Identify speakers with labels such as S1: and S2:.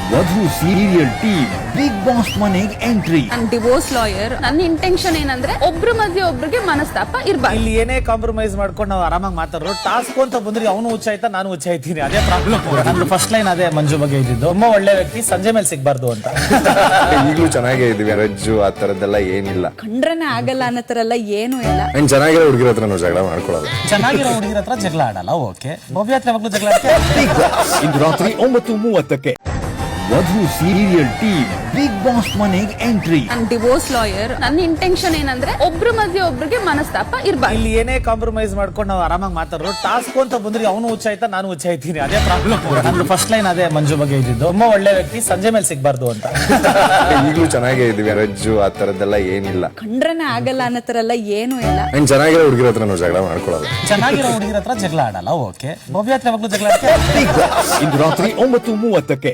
S1: ವಧು serial team Bigg Boss ಮನೆಗೆ entry.
S2: ನಾನು ಡಿವೋರ್ಸ್ ಲಾಯರ್. ನನ್ನ ಇಂಟೆನ್ಷನ್ ಏನಂದ್ರೆ ಒಬ್ರ ಮಧ್ಯೆ ಒಬ್ರಿಗೆ ಮನಸ್ತಾಪ ಇರ್ಬಾರ್ದು.
S3: ಇಲ್ಲಿ ಏನೇ ಕಾಂಪ್ರಮೈಸ್ ಮಾಡ್ಕೊಂಡು ನಾವು ಆರಾಮಾಗಿ ಮಾತಾಡೋ ಟಾಸ್ಕ್ ಅಂತ ಬಂದ್ರೆ ಅವನು ಹುಚ್ಚಾಯ್ತಾ ನಾನು ಹುಚ್ಚಾಯ್ತೀನಿ, ಅದೇ ಪ್ರಾಬ್ಲಮ್. ನಂದು ಫಸ್ಟ್ ಲೈನ್ ಅದೇ ಮಂಜು ಬಗ್ಗೆ ಇದ್ದಿದ್ದು, ತುಂಬಾ ಒಳ್ಳೆ ವ್ಯಕ್ತಿ, ಸಂಜೆ ಮೇಲೆ ಸಿಗ್ಬಾರ್ದು ಅಂತ.
S4: ಈಗಲೂ ಚೆನ್ನಾಗೇ ಇದೀವಿ, ರಜ್ಜು ಆ ತರದ್ದೆಲ್ಲ ಏನಿಲ್ಲ,
S2: ಕಂಡ್ರನೆ ಆಗಲ್ಲ ಅನ್ನೋ ತರ ಎಲ್ಲ ಏನು ಇಲ್ಲ.
S4: ನಾನು ಚೆನ್ನಾಗಿರೋ ಹುಡುಗಿರ ಹತ್ರ ನಾವು ಜಗಳ ಮಾಡ್ಕೊಳ್ಳೋದು.
S3: ಚೆನ್ನಾಗಿರೋ ಹುಡುಗಿರ ಹತ್ರ ಜಗಳ ಆಡಲ್ಲ, ಓಕೆ. ಭವ್ಯ ಹತ್ರ ಯಾವಾಗ್ಲೂ ಜಗಳ ಆಡ್ತೀಯ?
S1: ಇಂದು ರಾತ್ರಿ 9:30ಕ್ಕೆ Vadhu serial team Bigg Boss ಮನೆಗೆ ಎಂಟ್ರಿ.
S2: ನಾನು ಡಿವೋರ್ಸ್ ಲಾಯರ್. ನನ್ನ ಇಂಟೆನ್ಷನ್ ಏನಂದ್ರೆ ಒಬ್ರ ಮಧ್ಯೆ ಒಬ್ರಿಗೆ ಮನಸ್ತಾಪ ಇರ್ಬಾರ್ದು.
S3: ಇಲ್ಲಿ ಏನೇ ಕಾಂಪ್ರಮೈಸ್ ಮಾಡ್ಕೊಂಡು ನಾವು ಆರಾಮಾಗಿ ಮಾತಾಡೋ ಟಾಸ್ಕ್ ಅಂತ ಬಂದ್ರೆ ಅವನು ಹುಚ್ಚಾಯ್ತಾ ನಾನು ಹುಚ್ಚಾಯ್ತೀನಿ, ಅದೇ ಪ್ರಾಬ್ಲಮ್. ನಂದು ಫಸ್ಟ್ ಲೈನ್ ಅದೇ ಮಂಜು ಬಗ್ಗೆ ಇದ್ದಿದ್ದು, ತುಂಬಾ ಒಳ್ಳೆ ವ್ಯಕ್ತಿ, ಸಂಜೆ ಮೇಲೆ ಸಿಗ್ಬಾರ್ದು ಅಂತ.
S4: ಈಗಲೂ ಚೆನ್ನಾಗೇ ಇದೀವಿ, ರಜ್ಜು ಆ ತರದ್ದೆಲ್ಲ ಏನಿಲ್ಲ,
S2: ಕಂಡ್ರನೆ ಆಗಲ್ಲ ಅನ್ನೋ ತರ ಎಲ್ಲ ಏನು ಇಲ್ಲ.
S4: ನಾನು ಚೆನ್ನಾಗಿರೋ ಹುಡುಗಿರ ಹತ್ರ ನಾವು ಜಗಳ ಮಾಡ್ಕೊಳ್ಳೋದು.
S3: ಚೆನ್ನಾಗಿರೋ ಹುಡುಗಿರ ಹತ್ರ ಜಗಳ ಆಡಲ್ಲ, ಓಕೆ. ಭವ್ಯ ಹತ್ರ ಯಾವಾಗ್ಲೂ ಜಗಳ ಆಡ್ತೀಯ?
S1: ಇಂದು ರಾತ್ರಿ 9:30ಕ್ಕೆ